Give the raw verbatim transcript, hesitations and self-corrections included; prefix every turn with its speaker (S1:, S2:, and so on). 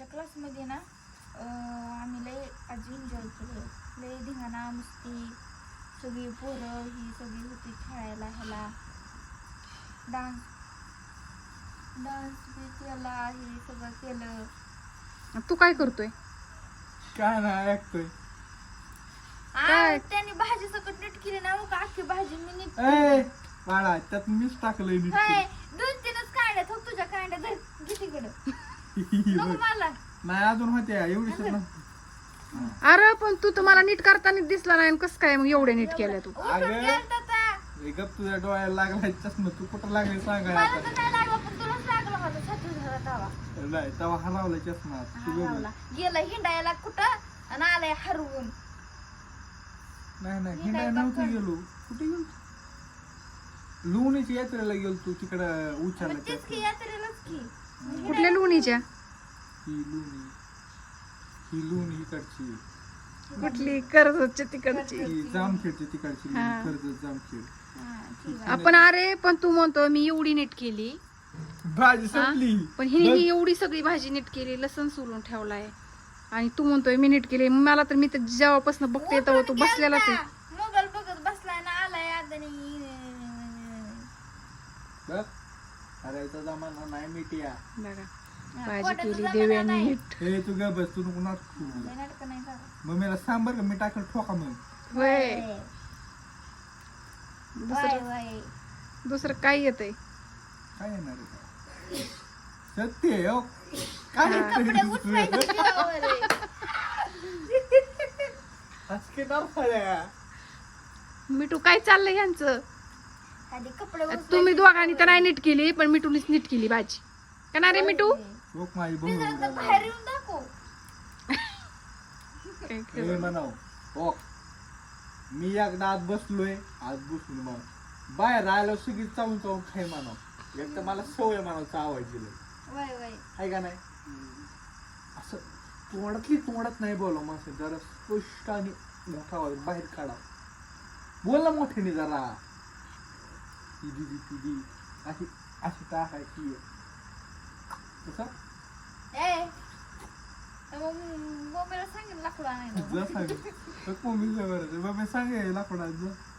S1: आमच्या क्लासमध्ये ना आम्ही लय आज एन्जॉय केलं. लय धिंगाणा मस्ती, सगळी पोरं ही सगळी होती खेळायला, ह्याला डान्स डान्स बी केला, हे सगळं केलं.
S2: तू काय करतोय?
S3: काय नाही ऐकतोय.
S2: काय?
S1: त्यांनी भाजी सकट नीट केली ना, मग अख्खी भाजी मी नीट
S3: ए बाळा त्यात मीच टाकलंय नीट
S1: हाय, दोन तीनच कांड्या हो तुझ्या कांड्या धर घे तिकडं. नको मला
S3: नाही अजून होते एवढी सर
S2: अरे पण तू तर मला नीट करताना दिसला नाही, कस काय मग एवढे नीट केलं तू?
S1: उठून गेलता ता.
S3: गप तुझ्या डोळ्याला लागलाय चष्मा. तू कुठं लागले सांगा
S1: मला
S3: आता.
S1: तर नाही लागला, पण तुलाच लागला होता छाती धरा तवा.
S3: नाही तेव्हा हरवलाय चष्मा. तू बघ.
S1: हरवला. गेला हिंडायला कुठं आणि आलाय हरवून.
S3: नाही नाही
S1: मी
S3: हिंडाय
S1: नाही
S3: नव्हतं
S1: बघत.
S3: गेलो. कुठे गेलो? लोणीच्या यात्रेला गेलो तू तिकडं
S1: मग
S3: उचारला
S1: तेच की यात्रेलाच की.
S2: कुठल्या लोणीच्या?
S3: ही लोणी ही लोणी इकडची
S2: कुठली? कर्जतच्या तिकडची.
S3: ही जामखेडची तिकडची लोणी,
S2: हा.
S3: कर्जत जामखेड.
S1: हा, ठीक आहे.
S2: आपण अरे पण तू म्हणतो मी एवढी नीट केली,
S3: भाजी संपली.
S2: पण हिने ही एवढी सगळी भाजी नीट केली, लसण सोलून ठेवलाय आणि तू म्हणतोय मी नीट केली. मला तर मी तर जेव्हापासून बघते तेव्हा तू
S1: उठून
S2: बसलेलाच आहे.
S1: गेलता. मोबाईल बघत बसलाय ना, आलाय आदनी.
S3: बघ करायचा जमाना नाही मिटिया.
S2: बघा
S1: हा,
S2: भाजी
S1: पोटाचं
S2: केली
S1: जमाना
S2: देव्याने
S1: नाही.
S2: नीट.
S3: हे तू ग बस तू नको नाटक
S1: लय नाटकं नाही करत.
S3: मग मला सांग बरं का मी टाकलं ठोका मग.
S2: होय.
S1: वय,
S2: दुसरं
S1: वय.
S2: दुसरं काय येतंय?
S3: काय येणार आहे काय? सत्य आहे, हो. काय
S2: हा.
S3: येतंय
S1: कपडे
S3: दुसरं?
S1: उचलायचे जीवावर आहे.
S3: असं काय नरफळ्या.
S2: मिठू काय चाललंय यांचं?
S1: आधी कपडे उचलायचे
S2: तुम्ही दोघांनी तर
S1: जीवावर
S2: नाही नीट केली, पण मिठूनीच नीट केली भाजी. का नाही रे
S1: आहे.
S2: मिठू?
S3: लोक माझी
S1: मी जरा
S3: बघू
S1: तर बाहेर येऊन दाखव.
S2: काय
S3: हे
S2: खरं.
S3: म्हणाव हो मी एकदा आज बसलोय आज बसून म्हणा बाहेर राहिलो सगळी चावून चावून खाय म्हणाव. एक तर मला सवय म्हणाव चावायची लय.
S1: वय वय
S3: आहे का नाही असं तोंडातली तोंडात नाही बोला माणसं जरा स्पष्ट आणि मोठा आवाज बाहेर काढा. बोल ना मोठ्याने जरा. ती दिदी ती दी अशी अशी टाकायची कसं
S1: ए मग मम्मीला सांगेन लाकडं आणायला.
S3: जा सांग मम्मी बरं मम्मी सांगे लाकडा